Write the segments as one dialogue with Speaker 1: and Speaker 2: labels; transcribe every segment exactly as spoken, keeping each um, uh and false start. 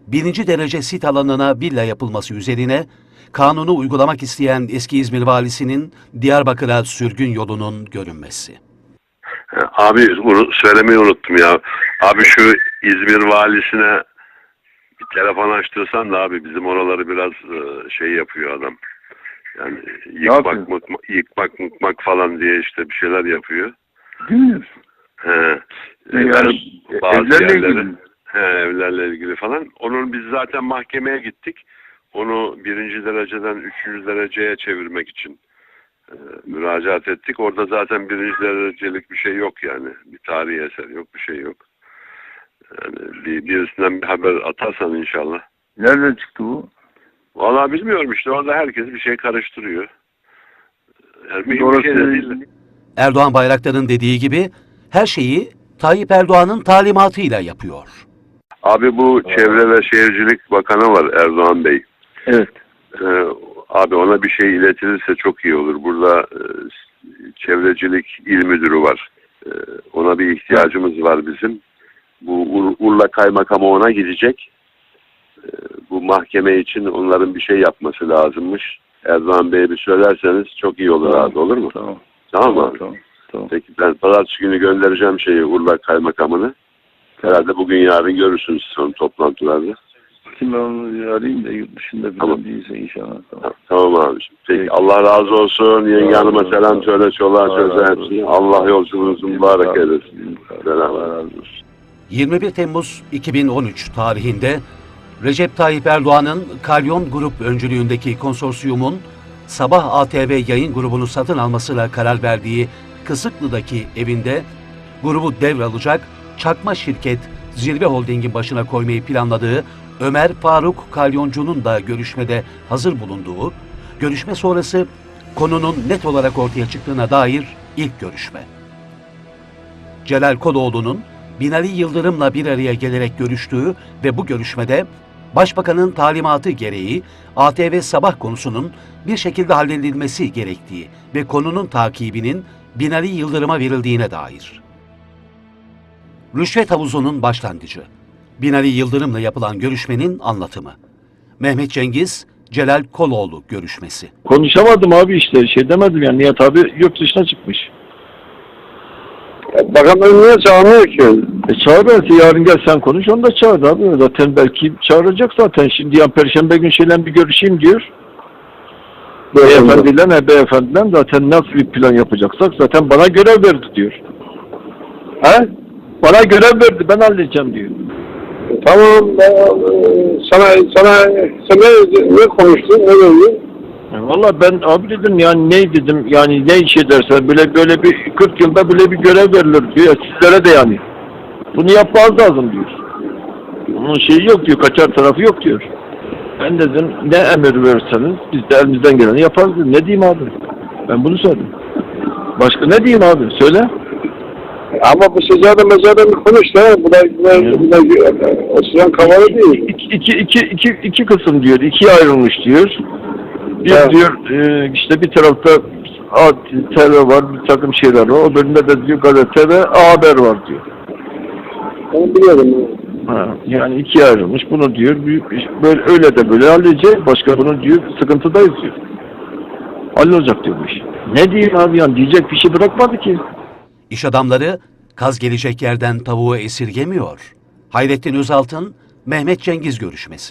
Speaker 1: birinci derece sit alanına villa yapılması üzerine kanunu uygulamak isteyen eski İzmir valisinin Diyarbakır'a sürgün yolunun görünmesi.
Speaker 2: Abi söylemeyi unuttum ya. Abi şu İzmir valisine bir telefon açtırsan da abi bizim oraları biraz şey yapıyor adam. Yani yıkmak, mıkmak, yıkmak, mıkmak falan diye işte bir şeyler yapıyor.
Speaker 3: Değil mi?
Speaker 2: He.
Speaker 3: Yani
Speaker 2: bazı
Speaker 3: evlerle
Speaker 2: yerlere,
Speaker 3: ilgili.
Speaker 2: he, evlerle ilgili falan. Onun biz zaten mahkemeye gittik. Onu birinci dereceden üçüncü dereceye çevirmek için e, müracaat ettik. Orada zaten birinci derecelik bir şey yok yani. Bir tarihi eser yok, bir şey yok. Yani bir, birisinden bir haber atarsan inşallah.
Speaker 3: Nereden çıktı bu?
Speaker 2: Vallahi bilmiyorum işte. Orada herkes bir şey karıştırıyor. Yani mühim
Speaker 3: Doğru
Speaker 2: bir şey de değil.
Speaker 1: Erdoğan Bayraktar'ın dediği gibi her şeyi Tayyip Erdoğan'ın talimatıyla yapıyor.
Speaker 2: Abi bu Çevre ve Şehircilik Bakanı var Erdoğan Bey.
Speaker 3: Evet.
Speaker 2: Ee, abi ona bir şey iletilirse çok iyi olur. Burada e, Çevrecilik İl Müdürü var. E, ona bir ihtiyacımız var bizim. Bu Ur Urla Kaymakamı ona gidecek. E, bu mahkeme için onların bir şey yapması lazımmış. Erdoğan Bey'e bir söylerseniz çok iyi olur
Speaker 3: Tamam.
Speaker 2: abi, olur mu?
Speaker 3: Tamam.
Speaker 2: Tamam mı?
Speaker 3: Tamam. Tamam.
Speaker 2: Peki ben pazartesi günü göndereceğim şeyi Urla Kaymakamını. Herhalde bugün yarın görürsünüz son toplantılarda.
Speaker 3: Şimdi ben onu arayayım da yurt dışında bir
Speaker 2: Tamam.
Speaker 3: değilse inşallah. Tamam.
Speaker 2: Tamam abiciğim. Peki,
Speaker 3: Peki.
Speaker 2: Allah razı olsun. Yenge
Speaker 3: Allah
Speaker 2: hanıma
Speaker 3: razı
Speaker 2: selam
Speaker 3: olsun.
Speaker 2: söyle. Çoluğa
Speaker 3: Allah
Speaker 2: çocuğa
Speaker 3: razı
Speaker 2: hepsine.
Speaker 3: olsun.
Speaker 2: Allah yolculuğunuzu mübarek eylesin. Selam.
Speaker 3: Allah razı olsun.
Speaker 1: yirmi bir Temmuz iki bin on üç tarihinde Recep Tayyip Erdoğan'ın Kalyon Grup öncülüğündeki konsorsiyumun Sabah A T V yayın grubunu satın almasıyla karar verdiği Kısıklı'daki evinde grubu devralacak çakma şirket Zirve Holding'in başına koymayı planladığı Ömer Faruk Kalyoncu'nun da görüşmede hazır bulunduğu, görüşme sonrası konunun net olarak ortaya çıktığına dair ilk görüşme. Celal Koloğlu'nun Binali Yıldırım'la bir araya gelerek görüştüğü ve bu görüşmede Başbakanın talimatı gereği A T V Sabah konusunun bir şekilde halledilmesi gerektiği ve konunun takibinin Binali Yıldırım'a verildiğine dair. Rüşvet havuzunun başlangıcı. Binali Yıldırım'la yapılan görüşmenin anlatımı. Mehmet Cengiz, Celal Koloğlu görüşmesi.
Speaker 3: Konuşamadım abi işte. Şey demedim yani. Nihat abi yurt dışına çıkmış.
Speaker 2: Bakanlar niye çağırmıyor ki?
Speaker 3: E çağır belki yarın gel sen konuş. Onu da çağır abi. Zaten belki çağıracak zaten. Şimdi ya Perşembe günü şeyle bir görüşeyim diyor. Beyefendiyle ne beyefendiyle zaten nasıl bir plan yapacaksak zaten bana görev verdi diyor. He? Bana görev verdi, ben halledeceğim diyor.
Speaker 2: Tamam. Ben, sana sana sen ne, ne konuştun? Ne dedin?
Speaker 3: Yani valla ben abi dedim yani ne dedim yani ne iş edersen böyle böyle bir kırk yılda böyle bir görev verilir diyor. Sizlere de yani. Bunu yapmanız lazım diyor. Onun şeyi yok diyor, kaçar tarafı yok diyor. Ben dedim ne emir verirseniz biz de elimizden geleni yaparız dedim. Ne diyeyim abi? Ben bunu söyledim. Başka ne diyeyim abi? Söyle.
Speaker 2: Ama bu sıcağda mezarda bir konuş da. Bu da, bu da, bu da o sıcağın kavalı değil.
Speaker 3: İki, iki, iki, iki, iki kısım diyor. İkiye ayrılmış diyor. Bir
Speaker 2: Evet.
Speaker 3: diyor e, işte bir tarafta A T V var, bir takım şeyler var. O bölümde de diyor gazete ve A Haber var diyor.
Speaker 2: Ben biliyorum.
Speaker 3: Ha, yani ikiye ayrılmış. Bunu diyor büyük bir, böyle öyle de böyle halledecek. Başka bunu diyor sıkıntıdayız diyor. Hallolacak diyor bu iş. Ne diyeyim abi yani diyecek bir şey bırakmadı ki.
Speaker 1: İş adamları kaz gelecek yerden tavuğu esirgemiyor. Hayrettin Özaltın, Mehmet Cengiz görüşmesi.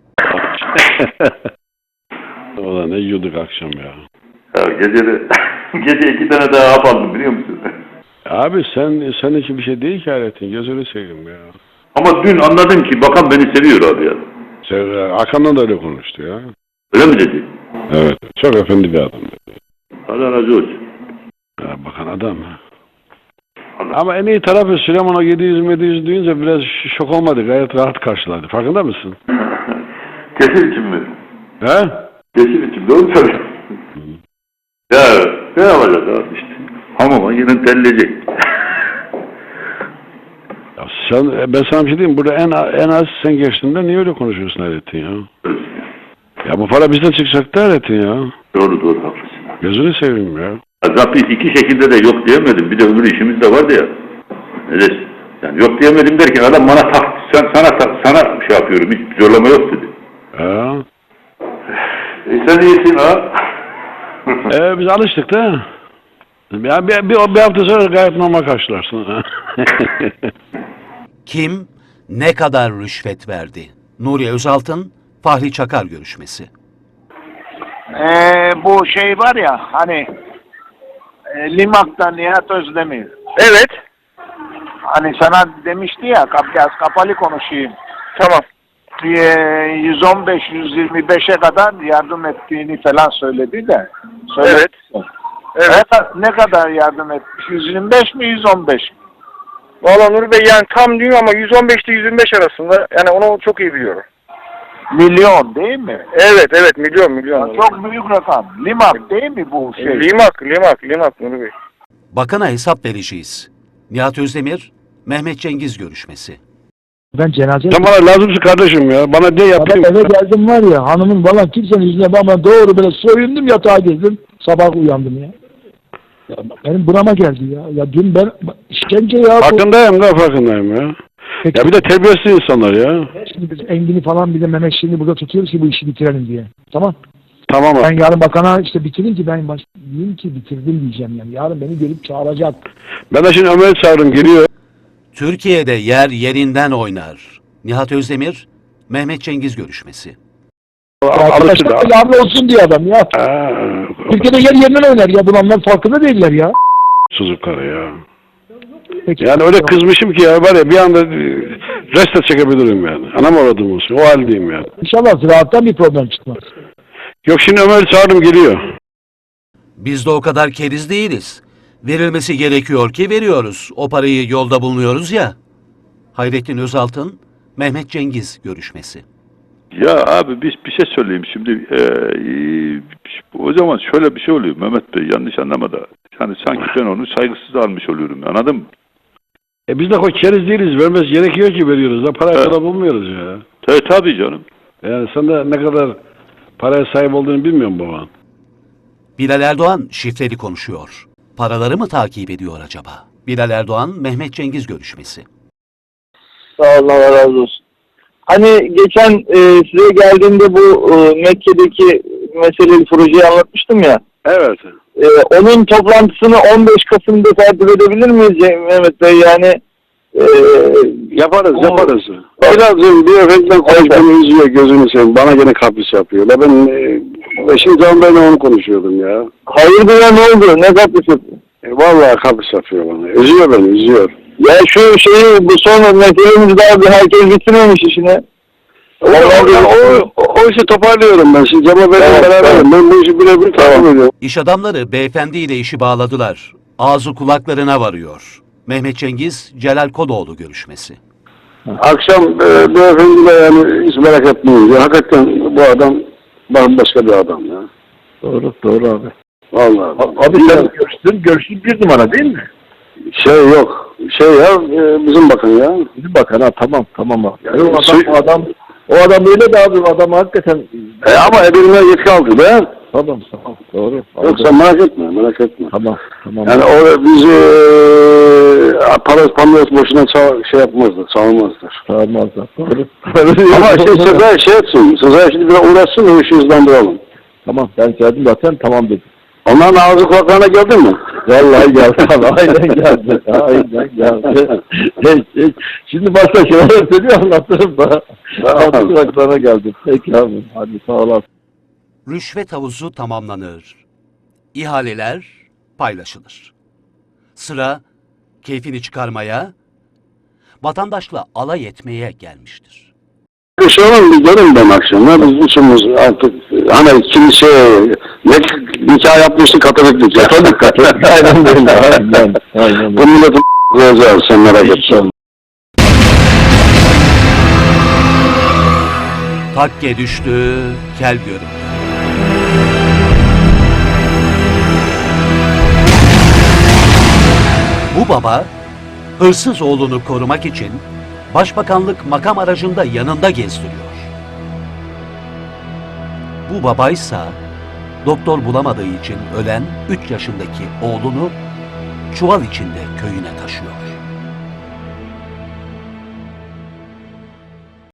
Speaker 4: Ulan ne yiyorduk akşam ya.
Speaker 5: Ya gece de, gece iki tane daha hap aldım biliyor musun?
Speaker 4: Abi sen senin için bir şey değil ki Hayrettin. Gözünü seveyim ya.
Speaker 5: Ama dün anladım ki bakan beni seviyor abi ya.
Speaker 4: Sen, Hakan'la da öyle konuştu ya.
Speaker 5: Öyle mi dedi?
Speaker 4: Evet. Çok efendi bir adam dedi.
Speaker 5: Allah razı olsun.
Speaker 4: Ya, bakan adam ha.
Speaker 5: Allah.
Speaker 4: Ama en iyi tarafı Süleyman'a yedi yüz yedi yüz duyunca biraz şok olmadı. Gayet rahat karşıladı. Farkında mısın?
Speaker 5: Kesin için mi?
Speaker 4: He?
Speaker 5: Kesin için doğru söylüyorsun. Ya ne yapacağız abi işte. Hamama yine terleyecek.
Speaker 4: Ya sen, ben sana bir şey diyeyim. Burada en, en az sen geçtiğinde niye öyle konuşuyorsun Hayrettin ya? Ya bu para bizden çıkacak da Hayrettin ya.
Speaker 5: Doğru doğru haklısın.
Speaker 4: Gözünü seveyim ya.
Speaker 5: Zaten iki şekilde de yok diyemedim. Bir de öbür işimiz de vardı ya. Öyle, yani yok diyemedim derken adam bana tak, sen sana sana şey yapıyorum, hiç zorlama yok dedi.
Speaker 4: Ha.
Speaker 5: E sen iyisin ha.
Speaker 4: Ee, biz alıştık da. Ya bir, bir, bir hafta sonra gayet normal karşılarsın.
Speaker 1: Kim ne kadar rüşvet verdi? Nuri Özaltın, Fahri Çakar görüşmesi.
Speaker 6: Ee, bu şey var ya hani e, Limak'tan Nihat Özdemir.
Speaker 7: Evet.
Speaker 6: Hani sana demişti ya kap, biraz kapalı konuşayım.
Speaker 7: Tamam.
Speaker 6: Ee, yüz on beş yüz yirmi beşe kadar yardım ettiğini falan söyledi de. Söyledi.
Speaker 7: Evet. Evet.
Speaker 6: Ne, ka- ne kadar yardım etmiş? yüz yirmi beş mi yüz on beş mi?
Speaker 7: Valla Nuri Bey yani tam diyor ama yüz on beş ile yüz yirmi beş arasında. Yani onu çok iyi biliyorum.
Speaker 6: Milyon değil mi?
Speaker 7: Evet evet milyon milyon.
Speaker 6: Ya
Speaker 7: Nuri
Speaker 6: çok büyük rakam. Limak değil mi bu
Speaker 7: Bey.
Speaker 6: şey?
Speaker 7: Limak limak limak Nuri Bey.
Speaker 1: Bakana hesap vereceğiz. Nihat Özdemir, Mehmet Cengiz görüşmesi.
Speaker 8: Ben cenaze
Speaker 4: Sen bana lazımsın kardeşim ya. Bana de yapayım.
Speaker 8: Sabah eve geldim var ya hanımın falan kimsenin yüzüne bakmadan doğru böyle soyundum yatağa girdim. Sabah uyandım ya. Ya benim burama geldi ya. Ya dün ben işkence ya. bu.
Speaker 4: Farkındayım da farkındayım ya.
Speaker 8: Peki,
Speaker 4: Ya bir de terbiyesiz insanlar ya.
Speaker 8: şimdi biz Engin'i falan bir de Mehmet Şirin'i burada tutuyoruz ki bu işi bitirelim diye. Tamam.
Speaker 4: Tamam abi.
Speaker 8: Ben yarın bakana işte bitirin ki ben baş... diyeyim ki bitirdim diyeceğim yani. Yarın beni gelip çağıracak.
Speaker 4: Ben de şimdi Ömer'i çağırdım geliyor.
Speaker 1: Türkiye'de yer yerinden oynar. Nihat Özdemir, Mehmet Cengiz görüşmesi.
Speaker 4: Alıştı
Speaker 8: Arkadaşlar
Speaker 4: da.
Speaker 8: yarın olsun diye adam ya.
Speaker 4: Ha,
Speaker 8: Türkiye'de yer yerinden oynar ya. Bunlar farkında değiller ya.
Speaker 4: Suzukları ya.
Speaker 8: Peki.
Speaker 4: Yani öyle kızmışım ki ya var ya bir anda e, reste çekebilirim yani. Anam aradım olsun. O haldeyim yani.
Speaker 8: İnşallah ziraattan bir problem çıkmaz.
Speaker 4: Yok şimdi Ömer'i çağırdım geliyor.
Speaker 1: Biz de o kadar keriz değiliz. Verilmesi gerekiyor ki veriyoruz. O parayı yolda bulunuyoruz ya. Hayrettin Özaltın, Mehmet Cengiz görüşmesi.
Speaker 5: Ya abi biz bir şey söyleyeyim şimdi. Ee, o zaman şöyle bir şey oluyor Mehmet Bey, yanlış anlama da. Yani sanki ben onu saygısız almış oluyorum, anladın mı?
Speaker 4: E biz de o keriz değiliz. Vermesi gerekiyor ki veriyoruz. Da parayı
Speaker 5: Evet.
Speaker 4: kadar bulmuyoruz ya.
Speaker 5: Tabii, tabii canım.
Speaker 4: Yani sen de ne kadar paraya sahip olduğunu bilmiyorum baban.
Speaker 1: Bilal Erdoğan şifreli konuşuyor. Paraları mı takip ediyor acaba? Bilal Erdoğan, Mehmet Cengiz görüşmesi.
Speaker 9: Sağ olun, Allah razı olsun. Hani geçen e, size geldiğimde bu e, Mekke'deki meseleyi, projeyi anlatmıştım ya.
Speaker 4: Evet.
Speaker 9: E, onun toplantısını on beş Kasım'da takip edebilir miyiz Mehmet Bey? Yani e,
Speaker 4: Yaparız,
Speaker 9: o-
Speaker 4: yaparız. Biraz bir efektten konuşmanı üzüyor gözünü seveyim. Bana gene kapris yapıyor. La ben e, eşim Can Bey'le onu konuşuyordum ya.
Speaker 9: hayırdır ya, ne oldu? Ne kapısı?
Speaker 4: E, vallahi kapris yapıyor bana. Üzüyor beni, üzüyor.
Speaker 9: Ya şu şeyi, bu son meselemiz daha bir herkes bitirmemiş işini.
Speaker 4: O, o, o, o işi toparlıyorum ben. Şimdi Cemal Bey'le
Speaker 9: Evet,
Speaker 4: beraberim.
Speaker 9: evet.
Speaker 4: Ben bu işi birebir takip ediyorum.
Speaker 1: İş adamları beyefendiyle işi bağladılar. Ağzı kulaklarına varıyor. Mehmet Cengiz, Celal Kodoğlu görüşmesi.
Speaker 4: Akşam e, beyefendiyle yani hiç merak etmeyin. Ya, hakikaten bu adam bambaşka bir adam ya.
Speaker 3: Doğru, doğru abi.
Speaker 4: Vallahi.
Speaker 3: Abi sen görüştün, görüştün bir numara değil mi?
Speaker 4: Şey yok. Şey ya e, bizim bakın ya.
Speaker 3: Bir bakın ha, tamam tamam abi. Yani o adam,
Speaker 4: Su-
Speaker 3: o adam, o adam öyle de abi, o adam hakikaten.
Speaker 4: E, ama ebeline yetki aldı be.
Speaker 3: Tamam tamam, doğru.
Speaker 4: Yok sen merak etme, merak etme.
Speaker 3: Tamam tamam.
Speaker 4: Yani o bizi e, para pamuk boşuna ça- şey yapmazlar, savunmazlar.
Speaker 3: Sağlamazlar. Doğru.
Speaker 4: Ama şey Sezai şey etsin, Sezai şimdi biraz uğraşsın, o işi hızlandıralım.
Speaker 3: Tamam, ben geldim zaten, tamam dedim.
Speaker 4: Onların ağzı kulaklarına geldin mi?
Speaker 3: Vallahi geldi abi, aynen geldi. Aynen geldi. Hey, hey. Şimdi başka şeyler söylüyor, anlatırım da. Ağzı kulaklarına geldim. Peki abi, hadi sağ olasın.
Speaker 1: Rüşvet havuzu tamamlanır. İhaleler paylaşılır. Sıra keyfini çıkarmaya, vatandaşla alay etmeye gelmiştir.
Speaker 4: Bir şey olur mu? Görün ben akşam. Ya biz üçümüz artık hani kimse ne nikah yapmıştı Katolik nikah. Katolik Katolik.
Speaker 3: Aynen öyle, aynen. Aynen
Speaker 4: Bu
Speaker 3: öyle.
Speaker 4: milletin koyacağız sen merak etme.
Speaker 1: Takke düştü, kel göründü. Bu baba, hırsız oğlunu korumak için başbakanlık makam aracında yanında gezdiriyor. Bu babaysa doktor bulamadığı için ölen üç yaşındaki oğlunu çuval içinde köyüne taşıyor.